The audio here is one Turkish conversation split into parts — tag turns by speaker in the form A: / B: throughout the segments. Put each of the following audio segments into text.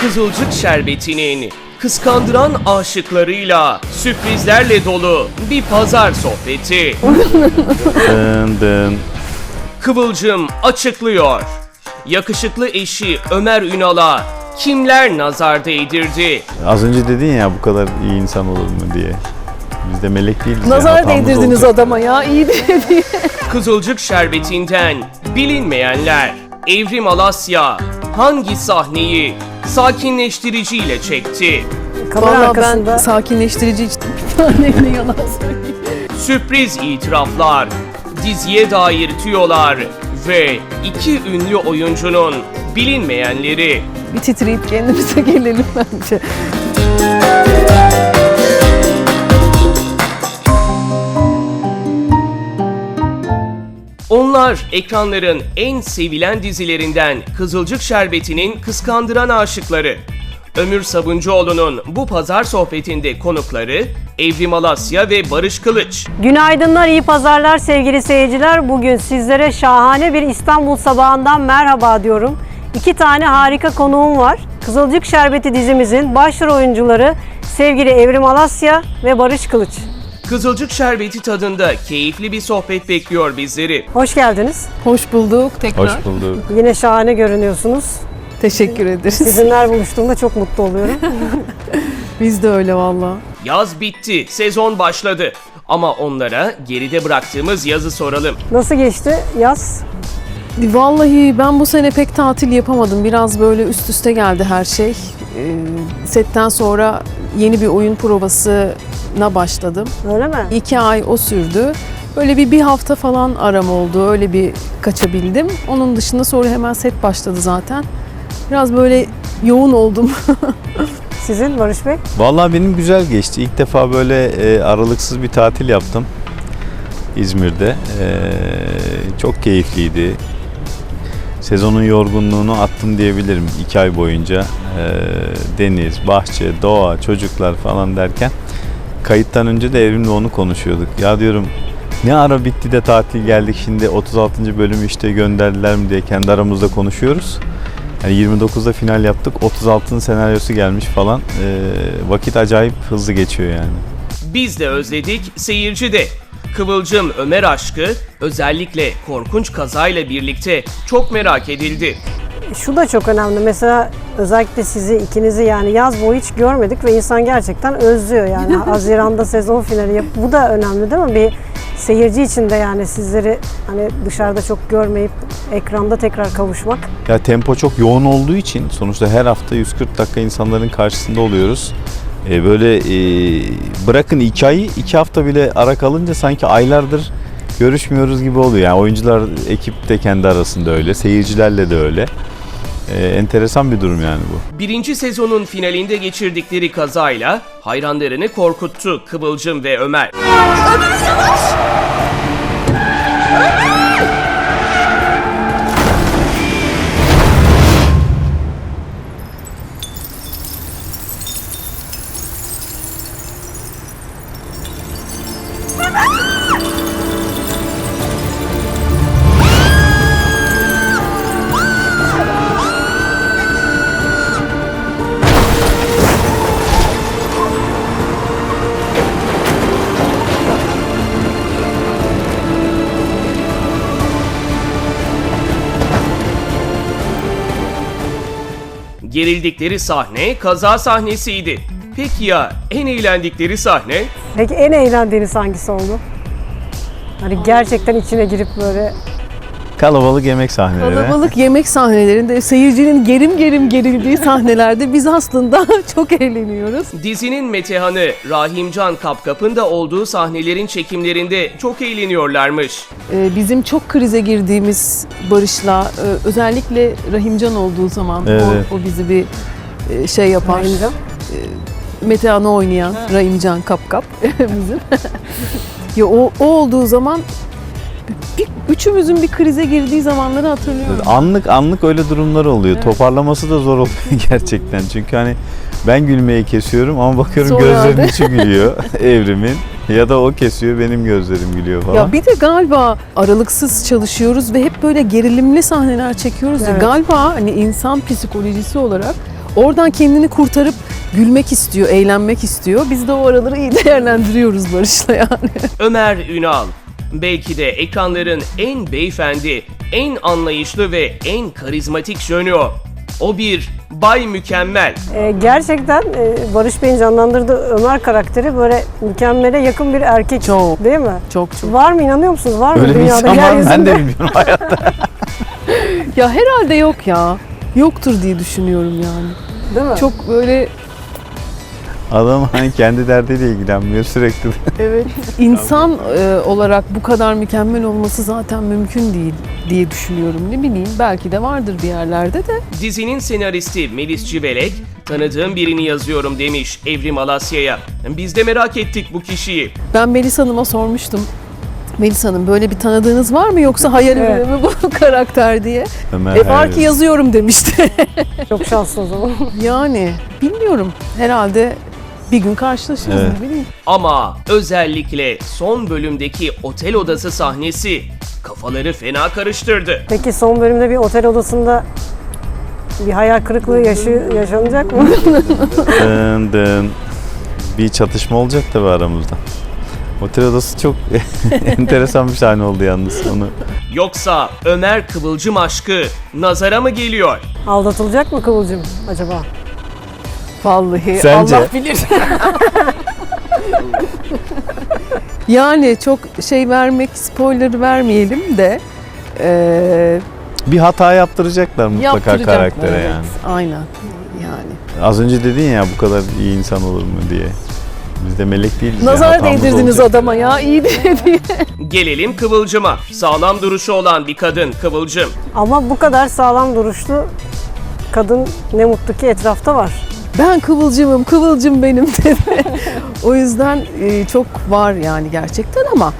A: Kızılcık Şerbeti'nin kıskandıran aşıklarıyla sürprizlerle dolu bir pazar sohbeti.
B: Dın dın.
A: Kıvılcım açıklıyor. Yakışıklı eşi Ömer Ünal'a kimler nazar değdirdi?
B: Az önce dedin ya bu kadar iyi insan olur mu diye. Biz de melek değiliz.
C: Nazar
B: ya, hatamız
C: değdirdiniz
B: olacak.
C: adama ya, iyi diye.
A: Kızılcık Şerbeti'nden bilinmeyenler. Evrim Alasya hangi sahneyi sakinleştiriciyle çekti?
C: Kamera
D: Vallahi
C: arkasında
D: ben sakinleştirici içtim. Bir taneyle yalan söyleyeyim.
A: Sürpriz itiraflar, diziye dair tüyolar ve iki ünlü oyuncunun bilinmeyenleri.
D: Bir titreyip kendimize gelelim bence.
A: Onlar ekranların en sevilen dizilerinden Kızılcık Şerbeti'nin kıskandıran aşıkları. Ömür Sabuncuoğlu'nun bu pazar sohbetinde konukları Evrim Alasya ve Barış Kılıç.
E: Günaydınlar, iyi pazarlar sevgili seyirciler. Bugün sizlere şahane bir İstanbul sabahından merhaba diyorum. İki tane harika konuğum var. Kızılcık Şerbeti dizimizin başrol oyuncuları sevgili Evrim Alasya ve Barış Kılıç.
A: Kızılcık Şerbeti tadında keyifli bir sohbet bekliyor bizleri.
E: Hoş geldiniz.
D: Hoş bulduk tekrar.
B: Hoş bulduk.
E: Yine şahane görünüyorsunuz.
D: Teşekkür ederiz.
E: Sizinle buluştuğumda çok mutlu oluyorum.
D: Biz de öyle valla.
A: Yaz bitti, sezon başladı. Ama onlara geride bıraktığımız yazı soralım.
E: Nasıl geçti yaz?
D: Vallahi ben bu sene pek tatil yapamadım. Biraz böyle üst üste geldi her şey. Setten sonra yeni bir oyun provasına başladım.
E: Öyle mi?
D: 2 ay o sürdü. Böyle bir hafta falan aram oldu. Öyle bir kaçabildim. Onun dışında sonra hemen set başladı zaten. Biraz böyle yoğun oldum.
E: Sizin Barış Bey?
B: Vallahi benim güzel geçti. İlk defa böyle aralıksız bir tatil yaptım. İzmir'de. Çok keyifliydi. Sezonun yorgunluğunu attım diyebilirim 2 ay boyunca. Deniz, bahçe, doğa, çocuklar falan derken kayıttan önce de Evrim'le onu konuşuyorduk. Ya diyorum ne ara bitti de tatil geldik şimdi 36. bölümü işte gönderdiler mi diye kendi aramızda konuşuyoruz. Yani 29'da final yaptık. 36'nın senaryosu gelmiş falan. Vakit acayip hızlı geçiyor yani.
A: Biz de özledik, seyirci de. Kıvılcım Ömer aşkı özellikle korkunç kazayla birlikte çok merak edildi.
E: Şu da çok önemli. Mesela özellikle sizi ikinizi yani yaz boyu hiç görmedik ve insan gerçekten özlüyor yani. Haziran'da sezon finali yap. Bu da önemli değil mi? Bir seyirci için de yani sizleri hani dışarıda çok görmeyip ekranda tekrar kavuşmak.
B: Ya tempo çok yoğun olduğu için sonuçta her hafta 140 dakika insanların karşısında oluyoruz. Böyle bırakın 2 ayı 2 hafta bile ara kalınca sanki aylardır görüşmüyoruz gibi oluyor. Yani oyuncular, ekip de kendi arasında öyle, seyircilerle de öyle. Enteresan bir durum yani bu.
A: Birinci sezonun finalinde geçirdikleri kazayla hayranlarını korkuttu Kıvılcım ve Ömer. Gerildikleri sahne kaza sahnesiydi. Peki ya en eğlendikleri sahne?
E: Peki en eğlendiğiniz hangisi oldu? Hani gerçekten içine girip böyle
B: Kalabalık yemek sahneleri.
D: Kalabalık yemek sahnelerinde seyircinin gerim gerildiği sahnelerde biz aslında çok eğleniyoruz.
A: Dizinin metehanı Rahimcan Kapkap'ın da olduğu sahnelerin çekimlerinde çok eğleniyorlarmış.
D: Bizim çok krize girdiğimiz Barış'la özellikle Rahimcan olduğu zaman
B: Evet.
D: o bizi bir şey yapar.
E: Rahimcan.
D: Metehan'ı oynayan Rahimcan Kapkap bizim. Ya o olduğu zaman üçümüzün bir krize girdiği zamanları hatırlıyorum.
B: Anlık öyle durumlar oluyor. Evet. Toparlaması da zor oluyor gerçekten. Çünkü hani ben gülmeyi kesiyorum ama bakıyorum
D: Sonra
B: gözlerinin
D: de.
B: içi gülüyor Evrim'in. Ya da o kesiyor benim gözlerim gülüyor falan.
D: Ya bir de galiba aralıksız çalışıyoruz ve hep böyle gerilimli sahneler çekiyoruz.
E: Evet.
D: Galiba hani insan psikolojisi olarak oradan kendini kurtarıp gülmek istiyor, eğlenmek istiyor. Biz de o araları iyi değerlendiriyoruz Barış'la yani.
A: Ömer Ünal, belki de ekranların en beyefendi, en anlayışlı ve en karizmatik jönü o. O bir Bay Mükemmel.
E: Gerçekten Barış Bey'in canlandırdığı Ömer karakteri böyle mükemmele yakın bir erkek
D: Çok.
E: değil mi?
D: Çok.
E: Var mı, inanıyor musunuz? Var mı
B: Öyle bir
E: dünyada?
B: insan var mı? Ben
E: yeryüzünde?
B: de bilmiyorum hayatta.
D: Ya herhalde yok ya. Yoktur diye düşünüyorum yani.
E: Değil mi?
D: Çok böyle
B: Adam hani kendi derdiyle ilgilenmiyor sürekli.
D: evet insan olarak bu kadar mükemmel olması zaten mümkün değil diye düşünüyorum. Ne bileyim belki de vardır bir yerlerde de.
A: Dizinin senaristi Melis Civelek, tanıdığım birini yazıyorum demiş Evrim Alasya'ya. Biz de merak ettik bu kişiyi.
D: Ben Melis Hanım'a sormuştum. Melis Hanım böyle bir tanıdığınız var mı yoksa hayal
E: Evet.
D: ürünü mü bu karakter diye.
B: Ömer
D: Var
B: hayal
D: ki yazıyorum demişti.
E: Çok şanslı o zaman.
D: Yani bilmiyorum herhalde bir gün karşılaşırız
B: Evet.
D: ne bileyim.
A: Ama özellikle son bölümdeki otel odası sahnesi kafaları fena karıştırdı.
E: Peki son bölümde bir otel odasında bir hayal kırıklığı yaşanacak mı?
B: Dın dın. Bir çatışma olacak tabii aramızda. Otel odası çok enteresan bir sahne oldu yalnız. Onu
A: Yoksa Ömer Kıvılcım aşkı nazara mı geliyor?
E: Aldatılacak mı Kıvılcım acaba?
D: Vallahi
B: Sence?
D: Allah bilir. Yani çok şey vermek, spoiler vermeyelim de
B: bir hata yaptıracaklar mutlaka
D: yaptıracaklar,
B: karaktere
D: evet.
B: yani.
D: Aynen yani.
B: Az önce dedin ya bu kadar iyi insan olur mu diye. Biz de melek değiliz.
D: Nazar
B: hatamız
D: değdirdiniz
B: olacak.
D: adama ya iyi diye.
A: Gelelim Kıvılcım'a. Sağlam duruşu olan bir kadın Kıvılcım.
E: Ama bu kadar sağlam duruşlu kadın ne mutlu ki etrafta var.
D: Ben kıvılcımım, kıvılcım benim dedi. O yüzden çok var yani gerçekten ama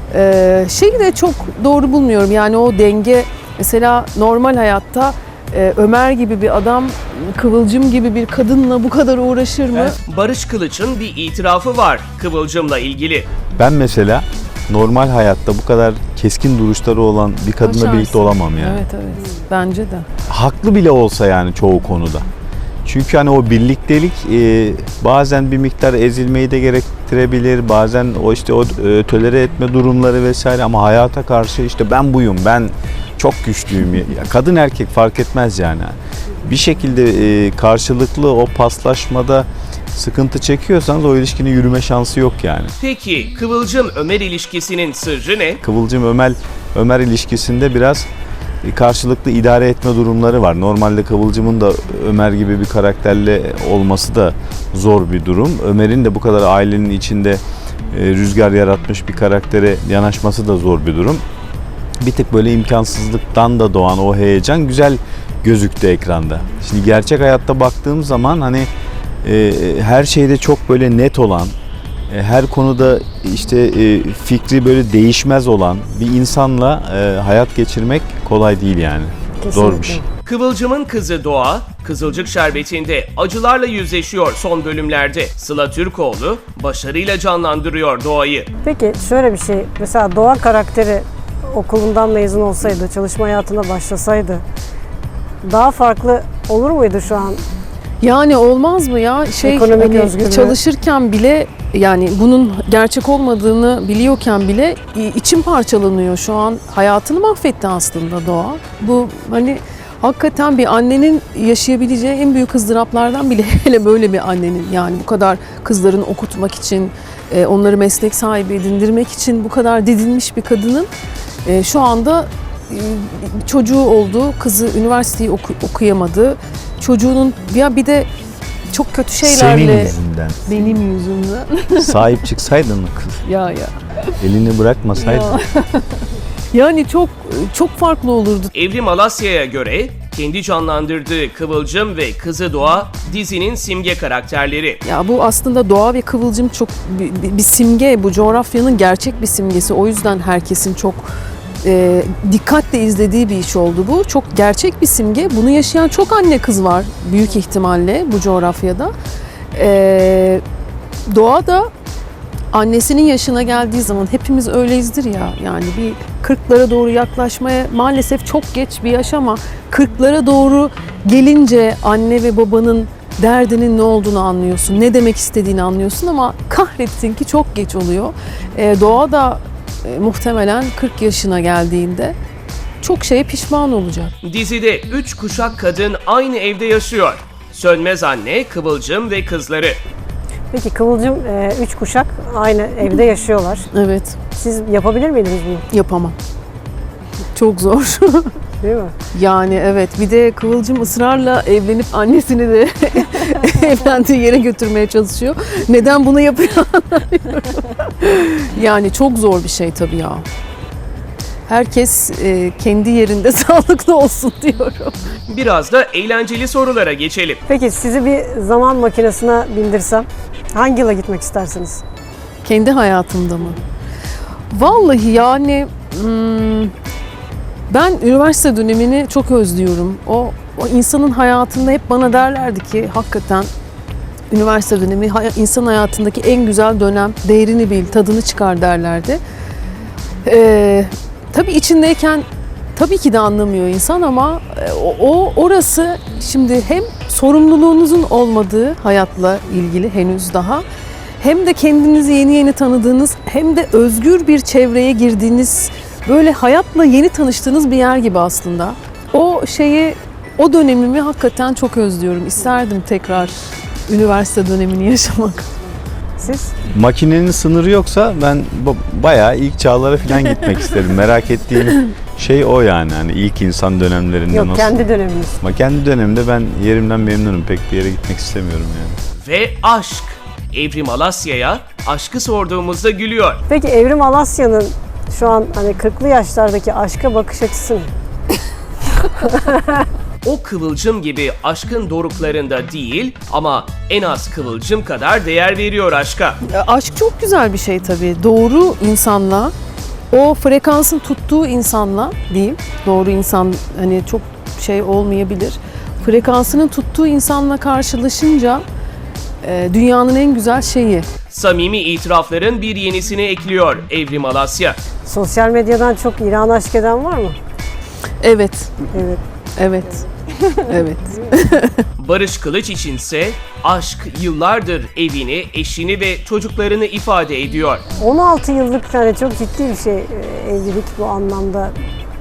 D: şeyi de çok doğru bulmuyorum. Yani o denge mesela normal hayatta Ömer gibi bir adam Kıvılcım gibi bir kadınla bu kadar uğraşır mı?
A: Barış Kılıç'ın bir itirafı var Kıvılcım'la ilgili.
B: Ben mesela normal hayatta bu kadar keskin duruşları olan bir kadınla
D: Başarsın.
B: birlikte olamam yani.
D: Evet evet bence de.
B: Haklı bile olsa yani çoğu konuda. Çünkü hani o birliktelik bazen bir miktar ezilmeyi de gerektirebilir. Bazen o işte o tolere etme durumları vesaire ama hayata karşı işte ben buyum, ben çok güçlüyüm. Ya, kadın erkek fark etmez yani. Bir şekilde karşılıklı o paslaşmada sıkıntı çekiyorsanız o ilişkinin yürüme şansı yok yani.
A: Peki Kıvılcım Ömer ilişkisinin sırrı ne?
B: Kıvılcım Ömer ilişkisinde biraz karşılıklı idare etme durumları var. Normalde Kıvılcım'ın da Ömer gibi bir karakterle olması da zor bir durum. Ömer'in de bu kadar ailenin içinde rüzgar yaratmış bir karaktere yanaşması da zor bir durum. Bir tık böyle imkansızlıktan da doğan o heyecan güzel gözüktü ekranda. Şimdi gerçek hayatta baktığım zaman hani her şeyde çok böyle net olan, her konuda işte fikri böyle değişmez olan bir insanla hayat geçirmek kolay değil yani. Zor bir şey.
A: Kıvılcım'ın kızı Doğa, Kızılcık Şerbeti'nde acılarla yüzleşiyor son bölümlerde. Sıla Türkoğlu başarıyla canlandırıyor Doğa'yı.
E: Peki şöyle bir şey, mesela Doğa karakteri okulundan mezun olsaydı, çalışma hayatına başlasaydı daha farklı olur muydu şu an?
D: Yani olmaz mı ya?
E: Ekonomik
D: Hani
E: özgürlüğü.
D: çalışırken bile yani bunun gerçek olmadığını biliyorken bile içim parçalanıyor şu an. Hayatını mahvetti aslında Doğa. Bu hani hakikaten bir annenin yaşayabileceği en büyük ızdıraplardan bile hele böyle bir annenin yani bu kadar kızlarını okutmak için, onları meslek sahibi edindirmek için bu kadar didinmiş bir kadının şu anda çocuğu oldu, kızı üniversiteyi okuyamadı. Çocuğunun ya bir de çok kötü şeylerle
B: Senin yüzünden.
D: benim yüzümden
B: Sahip çıksaydın kız.
D: ya
B: Elini bırakmasaydın.
D: ya. Yani çok farklı olurdu.
A: Evrim Alasya'ya göre kendi canlandırdığı Kıvılcım ve kızı Doğa dizinin simge karakterleri.
D: Ya bu aslında Doğa ve Kıvılcım çok bir simge, bu coğrafyanın gerçek bir simgesi. O yüzden herkesin çok dikkatle izlediği bir iş oldu bu. Çok gerçek bir simge. Bunu yaşayan çok anne kız var büyük ihtimalle bu coğrafyada. Doğa da annesinin yaşına geldiği zaman hepimiz öyleyizdir ya, yani bir 40'lara doğru yaklaşmaya maalesef çok geç bir yaş ama 40'lara doğru gelince anne ve babanın derdinin ne olduğunu anlıyorsun, ne demek istediğini anlıyorsun ama kahretsin ki çok geç oluyor. Doğa da muhtemelen 40 yaşına geldiğinde çok şeye pişman olacak.
A: Dizide 3 kuşak kadın aynı evde yaşıyor. Sönmez anne, Kıvılcım ve kızları.
E: Peki Kıvılcım 3 kuşak aynı evde yaşıyorlar.
D: Evet,
E: Siz yapabilir miydiniz bunu?
D: yapamam. Çok zor.
E: Değil mi?
D: Yani evet, bir de Kıvılcım ısrarla evlenip annesini de evlendiği yere götürmeye çalışıyor. Neden bunu yapıyor anlamıyorum. Yani çok zor bir şey tabii ya. Herkes kendi yerinde sağlıklı olsun diyorum.
A: Biraz da eğlenceli sorulara geçelim.
E: Peki sizi bir zaman makinesine bindirsem hangi yıla gitmek istersiniz?
D: Kendi hayatımda mı? Vallahi yani ben üniversite dönemini çok özlüyorum. O insanın hayatında hep bana derlerdi ki hakikaten üniversite dönemi insan hayatındaki en güzel dönem. Değerini bil, tadını çıkar derlerdi. Tabii içindeyken tabii ki de anlamıyor insan ama orası şimdi hem sorumluluğunuzun olmadığı hayatla ilgili henüz daha, hem de kendinizi yeni yeni tanıdığınız, hem de özgür bir çevreye girdiğiniz, böyle hayatla yeni tanıştığınız bir yer gibi aslında. O dönemimi hakikaten çok özlüyorum. İsterdim tekrar üniversite dönemini yaşamak.
E: Siz?
B: Makinenin sınırı yoksa ben bayağı ilk çağlara falan gitmek isterim. Merak ettiğim şey o yani. Hani ilk insan dönemlerinde
E: Yok,
B: nasıl?
E: kendi döneminiz.
B: Ama kendi dönemimde ben yerimden memnunum. Pek bir yere gitmek istemiyorum yani.
A: Ve aşk. Evrim Alasya'ya aşkı sorduğumuzda gülüyor.
E: Peki Evrim Alasya'nın şu an hani 40'lı yaşlardaki aşka bakış açısı ne?
A: O Kıvılcım gibi aşkın doruklarında değil ama en az Kıvılcım kadar değer veriyor aşka.
D: Aşk çok güzel bir şey tabii. Doğru insanla, o frekansın tuttuğu insanla diyeyim. Doğru insan hani çok şey olmayabilir. Frekansının tuttuğu insanla karşılaşınca dünyanın en güzel şeyi.
A: Samimi itirafların bir yenisini ekliyor Evrim Alasya.
E: Sosyal medyadan çok İran aşk eden var mı?
D: Evet,
E: Evet.
D: evet, evet.
A: Barış Kılıç içinse aşk yıllardır evini, eşini ve çocuklarını ifade ediyor.
E: 16 yıllık hani çok ciddi bir şey evlilik bu anlamda.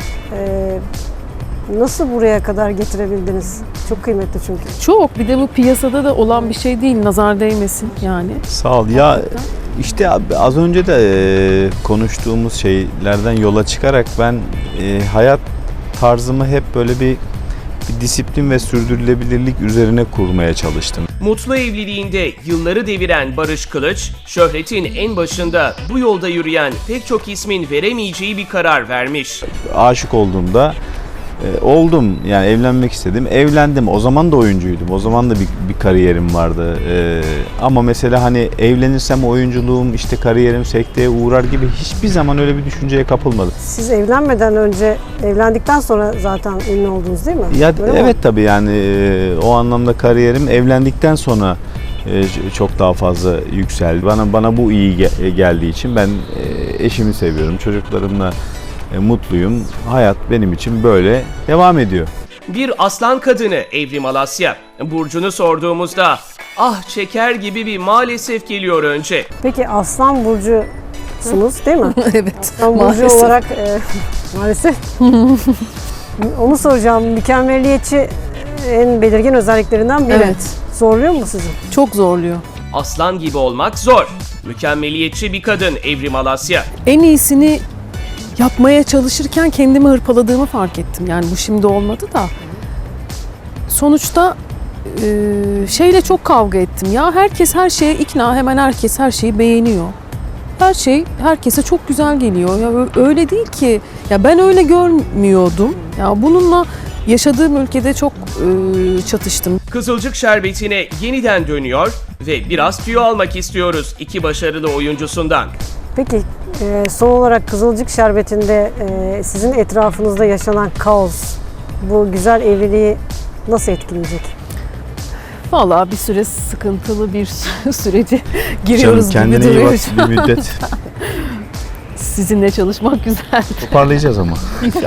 E: Nasıl buraya kadar getirebildiniz? Çok kıymetli çünkü.
D: Çok. Bir de bu piyasada da olan bir şey değil. Nazar değmesin yani.
B: Sağ ol. Ya işte abi, az önce de konuştuğumuz şeylerden yola çıkarak ben hayat tarzımı hep böyle bir disiplin ve sürdürülebilirlik üzerine kurmaya çalıştım.
A: Mutlu evliliğinde yılları deviren Barış Kılıç, şöhretin en başında bu yolda yürüyen pek çok ismin veremeyeceği bir karar vermiş.
B: Aşık olduğumda oldum, yani evlenmek istedim, evlendim. O zaman da oyuncuydum, o zaman da bir kariyerim vardı. Ama mesela hani evlenirsem oyunculuğum, işte kariyerim sekteye uğrar gibi hiçbir zaman öyle bir düşünceye kapılmadım.
E: Siz evlenmeden önce, evlendikten sonra zaten ünlü oldunuz değil mi?
B: Ya
E: Öyle
B: evet
E: mi?
B: tabii yani o anlamda kariyerim evlendikten sonra çok daha fazla yükseldi. Bana bu iyi geldiği için ben eşimi seviyorum, çocuklarımla mutluyum. Hayat benim için böyle devam ediyor.
A: Bir aslan kadını Evrim Alasya. Burcunu sorduğumuzda ah çeker gibi bir maalesef geliyor önce.
E: Peki Aslan Burcu'sunuz değil mi?
D: Evet.
E: Aslan Burcu
D: maalesef.
E: olarak maalesef. Onu soracağım. Mükemmeliyetçi en belirgin özelliklerinden biri.
D: Evet.
E: Zorluyor mu sizi?
D: Çok zorluyor.
A: Aslan gibi olmak zor. Mükemmeliyetçi bir kadın Evrim Alasya.
D: En iyisini yapmaya çalışırken kendimi hırpaladığımı fark ettim. Yani bu şimdi olmadı da. Sonuçta şeyle çok kavga ettim. Ya herkes her şeye ikna, hemen herkes her şeyi beğeniyor. Her şey herkese çok güzel geliyor. Ya öyle değil ki. Ya ben öyle görmüyordum. Ya bununla yaşadığım ülkede çok çatıştım.
A: Kızılcık Şerbeti'ne yeniden dönüyor ve biraz tüyo almak istiyoruz iki başarılı oyuncusundan.
E: Peki son olarak Kızılcık Şerbeti'nde sizin etrafınızda yaşanan kaos bu güzel evliliği nasıl etkileyecek?
D: Vallahi bir süre sıkıntılı bir süreci giriyoruz
B: Canım
D: gibi
B: kendine iyi
D: duruyor
B: bak
D: şu an.
B: bir müddet.
D: Sizinle çalışmak güzel.
B: Toparlayacağız ama.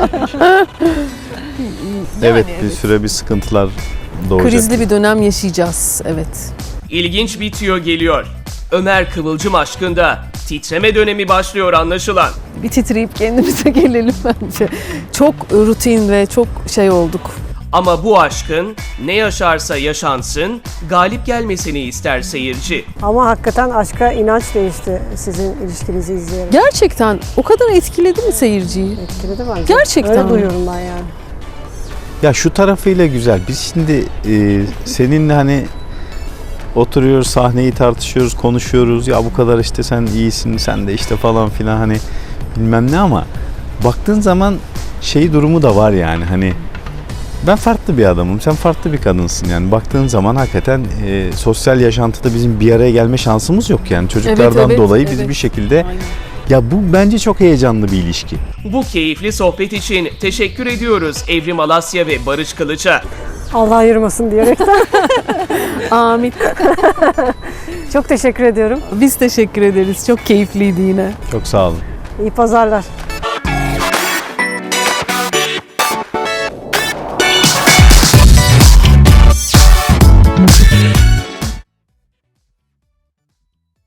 B: Evet bir
D: evet.
B: süre bir sıkıntılar doğacak.
D: Krizli bir dönem yaşayacağız. Evet.
A: İlginç bir tüyo geliyor. Ömer Kıvılcım aşkında titreme dönemi başlıyor anlaşılan.
D: Bir titreyip kendimize gelelim bence. Çok rutin ve çok şey olduk.
A: Ama bu aşkın ne yaşarsa yaşansın galip gelmesini ister seyirci.
E: Ama hakikaten aşka inanç değişti sizin ilişkinizi izleyerek.
D: Gerçekten o kadar etkiledi mi seyirciyi?
E: Etkiledi bence.
D: Gerçekten
E: Öyle
D: mi?
E: duyuyorum ben yani.
B: Ya şu tarafıyla güzel. Biz şimdi seninle hani oturuyoruz, sahneyi tartışıyoruz, konuşuyoruz. Ya bu kadar işte sen iyisin, sen de işte falan filan hani bilmem ne ama baktığın zaman şey durumu da var yani hani ben farklı bir adamım, sen farklı bir kadınsın yani baktığın zaman hakikaten sosyal yaşantıda bizim bir araya gelme şansımız yok yani çocuklardan
D: Evet,
B: dolayı biz
D: evet.
B: bir şekilde
D: Aynen.
B: ya bu bence çok heyecanlı bir ilişki.
A: Bu keyifli sohbet için teşekkür ediyoruz Evrim Alasya ve Barış Kılıç'a.
E: Allah ayırmasın diyerekten.
D: Amin.
E: Çok teşekkür ediyorum.
D: Biz teşekkür ederiz. Çok keyifliydi yine.
B: Çok sağ olun.
E: İyi pazarlar.